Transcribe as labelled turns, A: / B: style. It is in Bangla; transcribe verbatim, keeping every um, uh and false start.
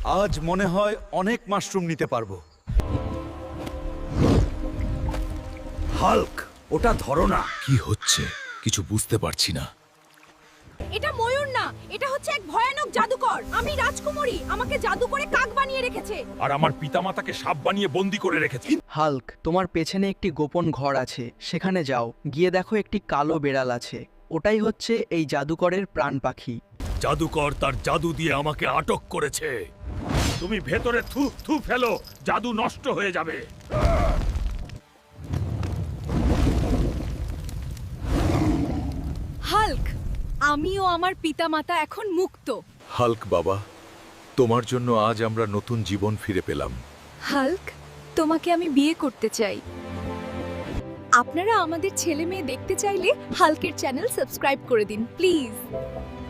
A: আজ মনে হয় অনেক মাশরুম নিতে পারবো। হাল্ক, ওটা ধরো না।
B: কি হচ্ছে কিছু বুঝতে পারছি না।
C: এটা ময়ূর না, এটা হচ্ছে এক ভয়ানক জাদুকর। আমি রাজকুমারী, আমাকে জাদু করে কাক বানিয়ে রেখেছে।
B: আর আমার পিতামাতাকে সাপ বানিয়ে বন্দি করে রেখেছে।
D: হাল্ক, তোমার পেছনে একটি গোপন ঘর আছে, সেখানে যাও। গিয়ে দেখো একটি কালো বেড়াল আছে, ওটাই হচ্ছে এই জাদুকরের প্রাণ পাখি।
B: জাদুকর তার জাদু দিয়ে আমাকে আটক করেছে। তুমি ভেতরে থু থু ফেলো, জাদু নষ্ট হয়ে যাবে।
C: হাল্ক, আমিও আমার পিতামাতা এখন মুক্ত।
B: হাল্ক বাবা, তোমার জন্য আজ আমরা নতুন জীবন ফিরে পেলাম।
C: হাল্ক, তোমাকে আমি বিয়ে করতে চাই। আপনারা আমাদের ছেলে মেয়ে দেখতে চাইলে হাল্কের চ্যানেল সাবস্ক্রাইব করে দিন প্লিজ।